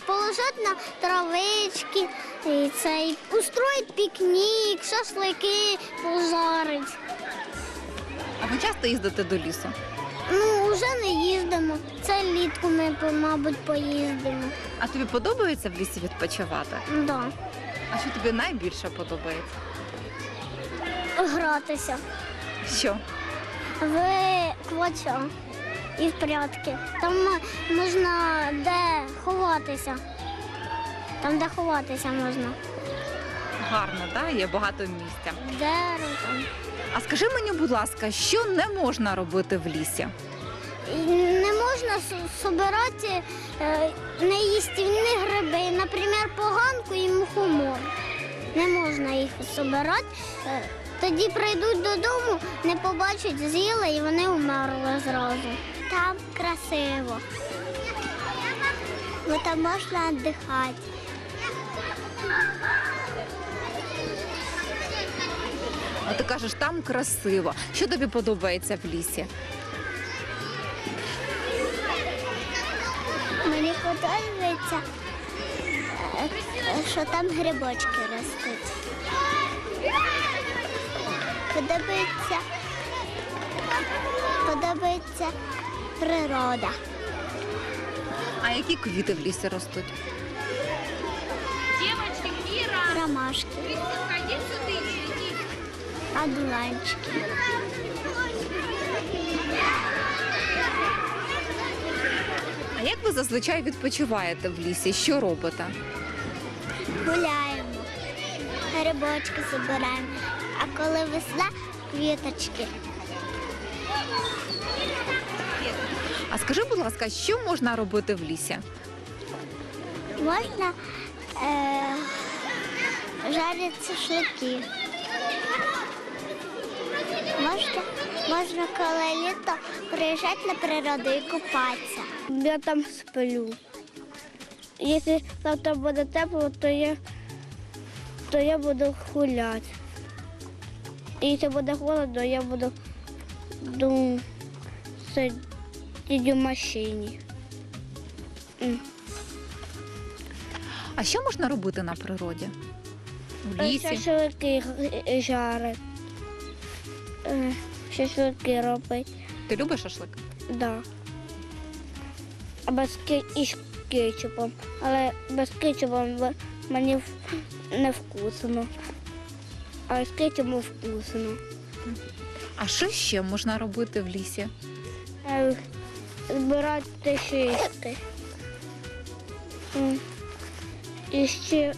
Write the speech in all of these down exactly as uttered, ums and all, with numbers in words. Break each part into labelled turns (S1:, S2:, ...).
S1: положити на травички, і цей, устроїть пікнік, шашлики пожарить.
S2: А ви часто їздите до лісу?
S1: Ну, вже не їздимо. Це літку ми, мабуть, поїздимо.
S2: А тобі подобається в лісі відпочивати?
S1: Да.
S2: А що тобі найбільше подобається?
S1: Гратися
S2: Що?
S1: в квача і в прятки. Там можна де ховатися. Там, де ховатися можна.
S2: Гарно, так? Є багато місця.
S1: Дерево там.
S2: А скажи мені, будь ласка, що не можна робити в лісі?
S1: І не можна збирати е, неїстівні гриби, наприклад, поганку і мухомор. Не можна їх збирати. Е, тоді прийдуть додому, не побачать, з'їли і вони вмерли зразу. Там красиво, бо там можна віддихати.
S2: А ти кажеш, там красиво. Що тобі подобається в лісі?
S1: Мені подобається, що там грибочки ростуть. Подобається, подобається природа.
S2: А які квіти в лісі ростуть?
S3: Девочки, Кира,
S1: Ромашки,
S3: ходи сюда, иди.
S1: одуванчики.
S2: А як ви зазвичай відпочиваєте в лісі? Що робите?
S1: Гуляємо, грибочки збираємо, а коли весна – квіточки.
S2: А скажи, будь ласка, що можна робити в лісі?
S1: Можна е, жарити шашлики. Можна, можна коли літо приїжджати на природу і купатися. Я там сплю. Якщо завтра буде тепло, то я, то я буду гуляти. І якщо буде холодно, я буду ду, сидіти в машині. М.
S2: А що можна робити на природі? В лісі?
S1: Шашлики жарить. Е, Шашлики робить.
S2: Ти любиш шашлик?
S1: Да. А без ки... і з кетчупом. Але без кетчупом в- мені в- не вкусно. А з кетчупом вкусно.
S2: А що ще можна робити в лісі?
S1: Е, Збирати шишки. М. І ще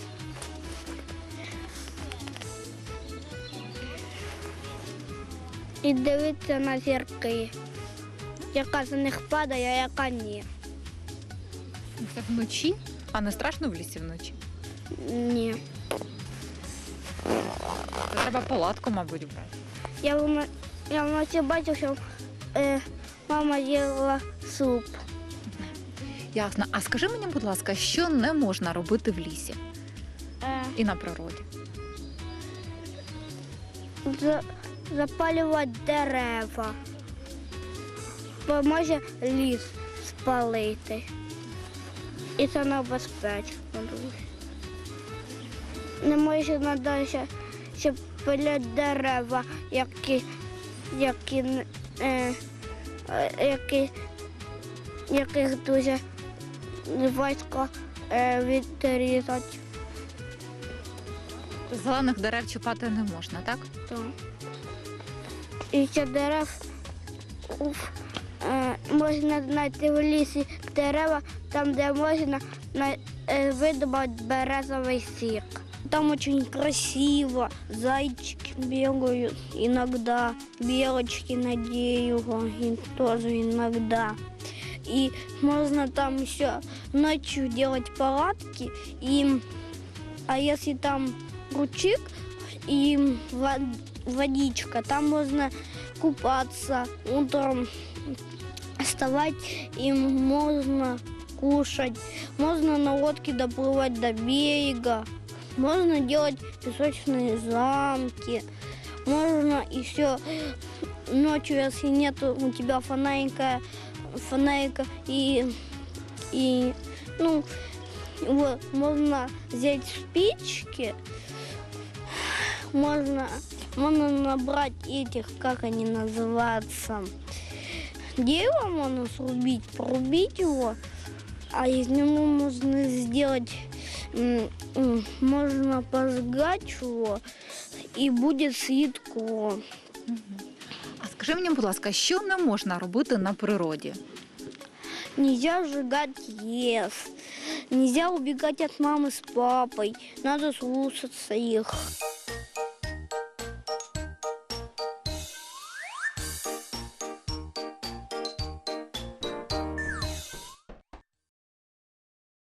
S1: і дивитися на зірки. Яка з них падає, а яка ні.
S2: Це вночі? А не страшно в лісі вночі?
S1: Ні.
S2: Це треба палатку, мабуть, брати.
S1: Я, вно- я вночі бачив, що е, мама їла суп.
S2: Ясно. А скажи мені, будь ласка, що не можна робити в лісі
S1: Е,
S2: і на природі?
S1: за- запалювати дерева. Бо може ліс спалити. І це небезпечно дуже. Не можна навіть, щоб пиляти дерева, які, які, е, е, які, яких дуже важко е, відрізати.
S2: Зелених дерев чіпати не можна, так?
S1: Так. І ще дерев уф, е, можна знайти в лісі дерева, там, де можна на- е, видобувати березовий сік. Там очень красиво, зайчики бегают иногда, белочки на дереве тоже иногда. И можно там еще ночью делать палатки, и, а если там ручик и вод- водичка, там можно купаться, утром вставать, и можно кушать, можно на лодке доплывать до берега. Можно делать песочные замки, можно еще ночью, если нет у тебя фонарика, фонарика и, и ну, Вот, можно взять спички, можно, можно набрать этих, как они называются, дерево можно срубить, порубить его, а из него можно сделать, м, м, можно пожгать его, и будет светло.
S2: А скажи мені, будь ласка, що не можна робити на природі?
S1: Нельзя сжигать лес, нельзя убегать от мамы с папой, надо слушаться их.